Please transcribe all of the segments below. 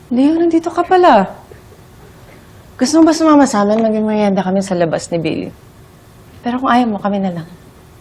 Leo, nandito ka pala. Gusto mo ba sumama sa amin? Maging merienda kami sa labas ni Billy. Pero kung ayaw mo, kami na lang.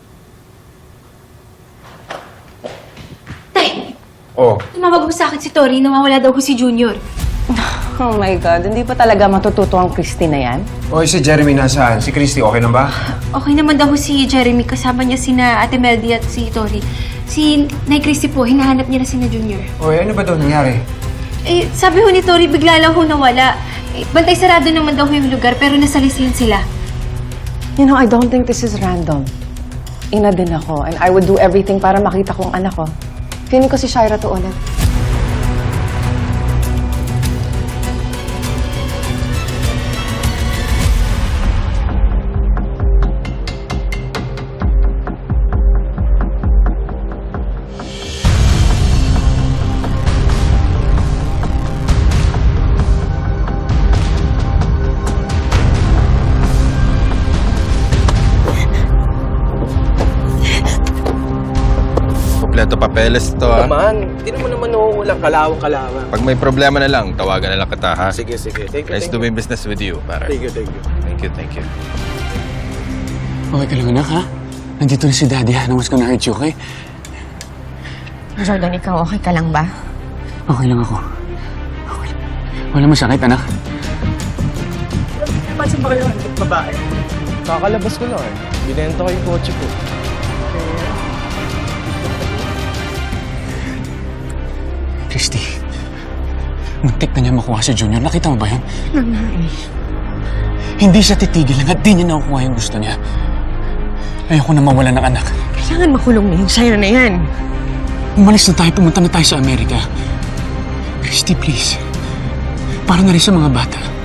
Tay! Oh, Tumawag mo sa akin si Tori, nawawala daw ko si Junior. Oh my God, hindi pa talaga matututo ang Christy na yan? oy, si Jeremy nasaan? Si Christy, okay na ba? Okay naman daw si Jeremy, kasama niya sina Ate Meldy at si Tori. Si Nay Christy po, hinahanap niya na sina Junior. Oy, ano ba daw nangyari? Eh, sabi ho ni Tori, bigla lang ho nawala. Eh, bantay sarado naman daw ho yung lugar, pero nasalisihan sila. You know, I don't think this is random. Ina din ako, and I would do everything para makita ko ang anak ko. Feeling ko si Shaira to ulit. Kompleto papeles to, ha? Naman, hindi naman walang kalawang-kalawang. Pag may problema na lang, tawagan na lang kita, ha? Sige. Thank you, Nice doing business with you, pare. Thank you. Thank you. Okay ka lang, anak, ha? Nandito na si Daddy, ha? No one's gonna hurt you, okay? Jordan, ikaw okay ka lang ba? Okay lang ako. Okay lang. Wala masakit, anak. Pansin ba kayo ang babae? Kakalabas ko lang eh. Binenta ko yung kotse ko. Christy, muntik na niya makuha si Junior. Nakita mo ba yun? Hindi siya titigil hanggat di niya nakukuha yung gusto niya. Ayoko na mawala ng anak. Kailangan makulong na yung Shaira na yan. Umalis na tayo, pumunta na tayo sa Amerika. Christy, please. Para na rin sa mga bata.